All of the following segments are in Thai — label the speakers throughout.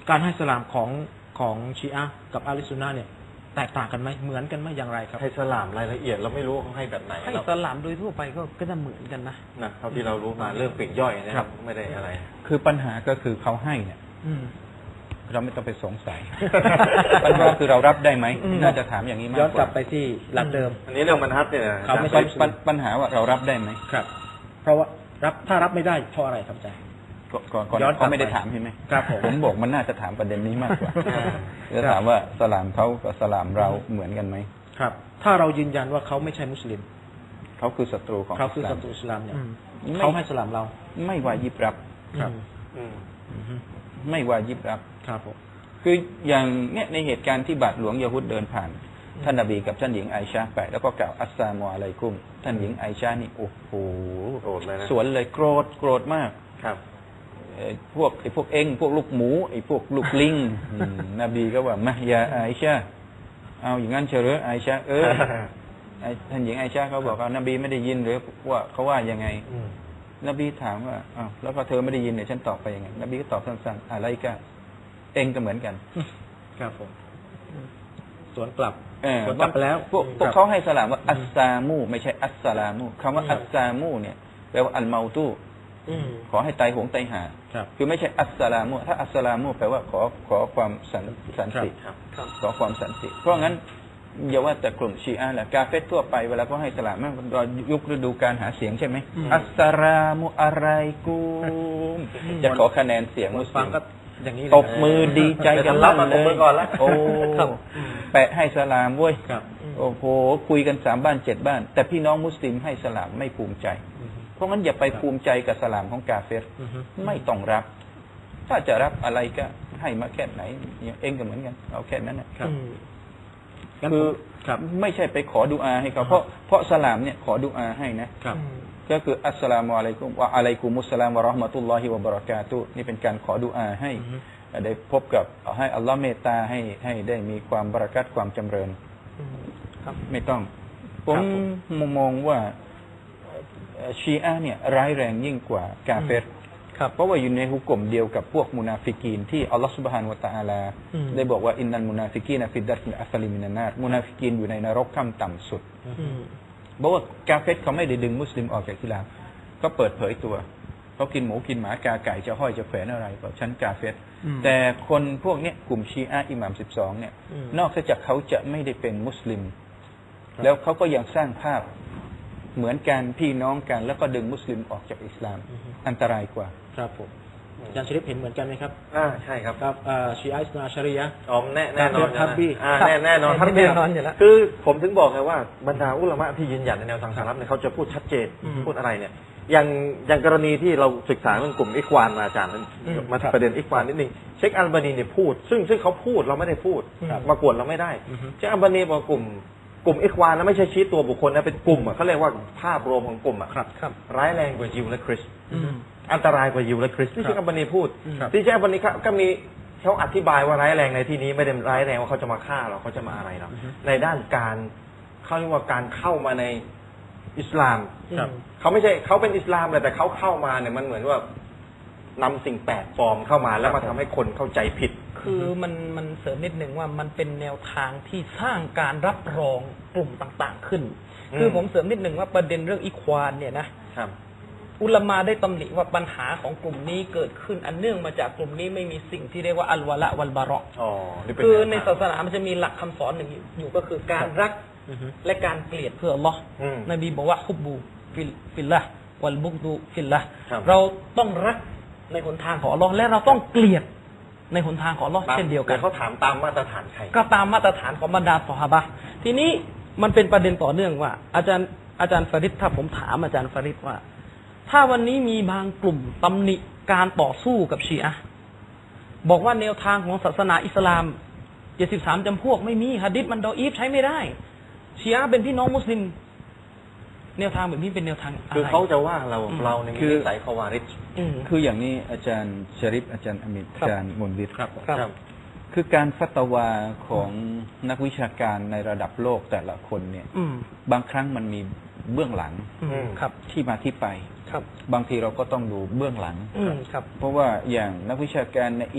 Speaker 1: การให้สลามของชีอะห์กับอาลิซุนนะห์เนี่ยแตกต่างกันไหมเหมือนกันไหมอย่างไรครับ
Speaker 2: ให้สลามรายละเอียดเราไม่รู้ว่าเขาให้แบบไหน
Speaker 3: ให้
Speaker 2: เรา
Speaker 3: สลามโดยทั่วไปก็จะเหมือนกันนะ
Speaker 2: เท่าที่เรารู้มาเรื่องปลีกย่อยนะครับไม่ได้อะไร
Speaker 4: คือปัญหาก็คือเขาให้เนี่ย
Speaker 1: อืม
Speaker 4: เราไม่ต้องไปสงสัย ปัญหาคือเรารับได้ไหม
Speaker 1: อืม
Speaker 4: น่าจะถามอย่างนี้มาก
Speaker 1: ย้อน
Speaker 4: ก
Speaker 1: กลั
Speaker 4: ว่า
Speaker 1: บไปที่หลักเดิม
Speaker 2: อันนี้เรื่องบรรทัดเนี่ย
Speaker 1: เขาไม่ใช่
Speaker 4: ปัญหาว่าเรารับได้ไหม
Speaker 1: ครับ เพราะว่าถ้ารับไม่ได้เพราะอะไรครับอาจารย์
Speaker 4: ก่อน
Speaker 1: ย้อนกลับ
Speaker 4: เขาไม่ได้ถามใช่ไหม
Speaker 1: ครับผม
Speaker 4: ผมบอกมันน่าจะถามประเด็นนี้มากกว่าจะถามว่าสลามเขากับสลามเราเหมือนกันไหม
Speaker 1: ครับ ถ้าเรายืนยันว่าเขาไม่ใช่มุสลิม
Speaker 4: เขาคือศัตรูของ
Speaker 1: เขาคือ
Speaker 4: อิส
Speaker 1: ศั
Speaker 4: ลาม
Speaker 1: ตรูอิสลามเนี่ย
Speaker 4: ไม่
Speaker 1: เขาให้สลามเรา
Speaker 4: ไม่วายิบรับ
Speaker 1: ครับ
Speaker 2: อืม
Speaker 4: ไม่วายิบรับ
Speaker 1: ครับผม
Speaker 4: คืออย่างเนี่ยในเหตุการณ์ที่บาทหลวงยะฮุดเดินผ่าน ท่านนบีกับท่านหญิงไอชาไปแล้วก็กล่าวอัสสลามุอะลัยกุมท่านหญิงไอชานี่โอ้โห
Speaker 2: โกรธเลยนะ
Speaker 4: สวนเลยโกรธมาก
Speaker 2: ครับ
Speaker 4: พวกเอ็งพวกลูกหมูไอ้พวกลูกลิงนบีก็ว่ามายาไอชาเอาอย่างนั้นเฉลยไอชาท่านหญิงไอชาเขาบอกว่านบีไม่ได้ยินหรือว่าเขาว่ายังไง นบีถามว่าอ้าวแล้วพอเธอไม่ได้ยินเนี่ยฉันตอบไปยังไงนบีก็ตอบสั้นๆอะไรก็เอ็งก็เหมือนกัน
Speaker 1: ครับผมสวนกลับ
Speaker 4: เออ
Speaker 1: สวนกลับไปแล้ว
Speaker 4: พวก
Speaker 1: ครับ
Speaker 4: เขาให้สลามว่าอัสซามูไม่ใช่อัสสลามูคำว่าอัสซามูเนี่ยแปลว่าอัลเมาตูขอให้ตายโหงตายหา
Speaker 1: ครับ
Speaker 4: คือไม่ใช่อัสสลามุถ้าอัสสลามุแปลว่าขอความสันติ
Speaker 2: ครับ
Speaker 4: ขอความสันติ เพราะงั้นอย่าว่าแต่กลุ่มชีอะห์แหละกาเฟตทั่วไปเวลาก็ให้สลามมันเรายุคฤดูการหาเสียงใช่ไหมอัสสลามุอะไรกูมจะขอคะแนนเสียงมุส
Speaker 1: ฟั
Speaker 4: ลิ
Speaker 1: ง
Speaker 4: ม
Speaker 1: ก็อย่างนี้เลย
Speaker 4: ตบมือดีใจกัน
Speaker 2: รับ
Speaker 4: ลั่
Speaker 2: มาน ตบมือก่อนละ
Speaker 4: โอ้แปะให้สลามเว้ย
Speaker 1: ครับ
Speaker 4: โอ้โหคุยกัน3 บ้าน 7 บ้าน แต่พี่น้องมุสลิมให้สลามไม่ภูมิใจ เพราะงั้นอย่าไปภูมิใจกับสลามของกาเฟรไม่ต้องรับ ถ้าจะรับอะไรก็ให้มาแค่ไหนเนี่ยเองก็เหมือนกันเอาแค่นั้นนะครับ
Speaker 1: งั้น
Speaker 4: คือ
Speaker 1: ครับ
Speaker 4: ไม่ใช่ไปขอดุอาให้เขาเพราะสลามเนี่ยขอดุอาให้นะครับ ก็คืออัสสลามุอะลัยกุมวะอะลัยกุมุสสลามวะเราะห์มะตุลลอฮิวะบะเราะกาตุฮ์นี่เป็นการขอดุอาให้ได้พบกับให้อัลลอฮ์เมตตาให้ได้มีความบารอกัตความจำเริญ
Speaker 1: ครับ
Speaker 4: ไม่ต้อง ผมมองว่าชีอะห์เนี่ยร้ายแรงยิ่งกว่ากาเฟรเพราะว่าอยู่ในหุกกลมเดียวกับพวกมุนาฟิกีนที่อัลลอฮฺซุบฮานะฮูวะตะอาลาได้บอกว่าอินนัลมุนาฟิกีนฟิดดัรกิลอัสลิมินันนารมุนาฟิกีนอยู่ในนรกขั้นต่ำสุดบอกว่ากาเฟรเขาไม่ได้ดึงมุสลิมออกจากอิสลามก็เปิดเผยตัวเขากินหมูกินหมากาไก่จะห้อยจะแขวนอะไรบอกฉันกาเฟรแต่คนพวกนี้กลุ่มชีอะห์อิหม่าม12เนี่ยนอกจากเขาจะไม่ได้เป็นมุสลิมแล้วเขาก็ยังสร้างภาพเหมือนกันพี่น้องกันแล้วก็ดึงมุสลิมออกจากอิสลามอันตรายกว่า
Speaker 1: ครับผมอาจารย์ชริฟเห็นเหมือนกันไหมครับ
Speaker 2: ใช่ครับ
Speaker 1: ครับชีอะห์อิสนาอะชาริยะห์
Speaker 2: อ๋อแน่นอน
Speaker 1: ทับบี้
Speaker 2: แน่นอน
Speaker 3: แน่นอนอยู่แล้ว
Speaker 2: คือผมถึงบอกไงว่าบรรดาอุลามะที่ยืนหยัดในแนวทางสารับเนี่ยเขาจะพูดชัดเจนพูดอะไรเนี่ยอย่างกรณีที่เราศึกษาเรื่องกลุ่มอิควานมาอาจารย์มาประเด็นอิควานนิดนึงเชคอัลบานีเนี่ยพูดซึ่งเขาพูดเราไม่ได้พูดมากวนเราไม่ได้เชคอัลบานีบอกกลุ่มอิควานนะไม่ใช่ชี้ตัวบุคคลนะเป็นกลุ่มเขาเรียกว่าภาพรวมของกลุ่มร้ายแรงกว่ายิวและคริสต์อันตรายกว่ายิวและคริสต์ที่เชคอัลบานีพูดที่เชคอัลบานีก็มีเขาอธิบายว่าร้ายแรงในที่นี้ไม่ได้ร้ายแรงว่าเขาจะมาฆ่าเราเขาจะมาอะไรเราในด้านการเขาเรียกว่าการเข้ามาในอิสลามเขาไม่ใช่เขาเป็นอิสลามแต่เขาเข้ามาเนี่ยมันเหมือนว่านำสิ่งแปลกปลอมเข้ามาแล้วมาทำให้คนเข้าใจผิด
Speaker 3: คือมันเสริมนิดหนึ่งว่ามันเป็นแนวทางที่สร้างการรับรองกลุ่มต่างๆขึ้น คือผมเสริมนิดหนึ่งว่าประเด็นเรื่องอิควานเนี่ยนะครับอุลามาได้ตำหนิว่าปัญหาของกลุ่มนี้เกิดขึ้นอันเนื่องมาจากกลุ่มนี้ไม่มีสิ่งที่เรียกว่าอัลวะละวัลบาระคือในศาสนามันจะมีหลักคำสอนหนึ่งอยู่ก็คือการรักและการเกลียดเพื่ออัลลอฮ์นบีบอกว่าฮุบบูฟิลละวัลบุกดูฟิลละเราต้องรักในหนทางของอัลลอฮ์และเราต้องเกลียดในหนทางของอัลลอฮ์เช่นเดียวกัน
Speaker 2: เขาถามตามมาตรฐานใคร
Speaker 3: ก็ตามมาตรฐานของบรรดาซอฮาบะห์ทีนี้มันเป็นประเด็นต่อเนื่องว่าอาจารย์ฟาริดถ้าผมถามอาจารย์ฟาริดว่าถ้าวันนี้มีบางกลุ่มตำหนิการต่อสู้กับชีอะห์บอกว่าแนวทางของศาสนาอิสลาม73จำพวกไม่มีหะดีษมันดออีฟใช้ไม่ได้ชีอะห์เป็นพี่น้องมุสลิมแนวทางแบบนี้เป็นแนวทางอะไร
Speaker 2: คือเขาจะว่าเราในมีนิสัยคาวาริช
Speaker 4: คืออย่างนี้อาจารย์ชริฟอาจารย์อมิตอาจารย์มุนวิทย์
Speaker 2: ครับ
Speaker 4: คือการฟัตวาของนักวิชาการในระดับโลกแต่ละคนเนี่ยบางครั้งมันมีเบื้องหลังที่มาที่ไปบางทีเราก็ต้องดูเบื้องหลังเพราะว่าอย่างนักวิชาการในอียิปต์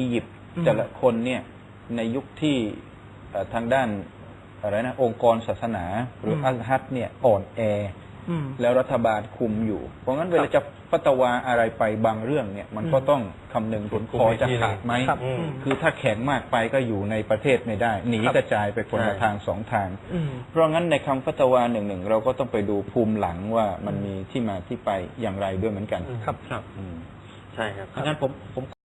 Speaker 4: แต่ละคนเนี่ยในยุคที่ทางด้านอะไรนะองค์กรศาสนาหรืออัลฮัดเนี่ยอ่อนแอแล้วรัฐบาลคุมอยู่ เพราะงั้นเวลาจะฟัตวาอะไรไปบางเรื่องเนี่ยมันก็ต้องคำนึงผลพอจะขาดไหมคือถ้าแข็งมากไปก็อยู่ในประเทศไม่ได้หนีกระจายไปคนละทางสองทางเพราะงั้นในคำฟัตวาหนึ่งเราก็ต้องไปดูภูมิหลังว่ามันมีที่มาที่ไปอย่างไรด้วยเหมือนกัน
Speaker 1: ครับ
Speaker 2: ใช่ครับ
Speaker 1: งั้นผม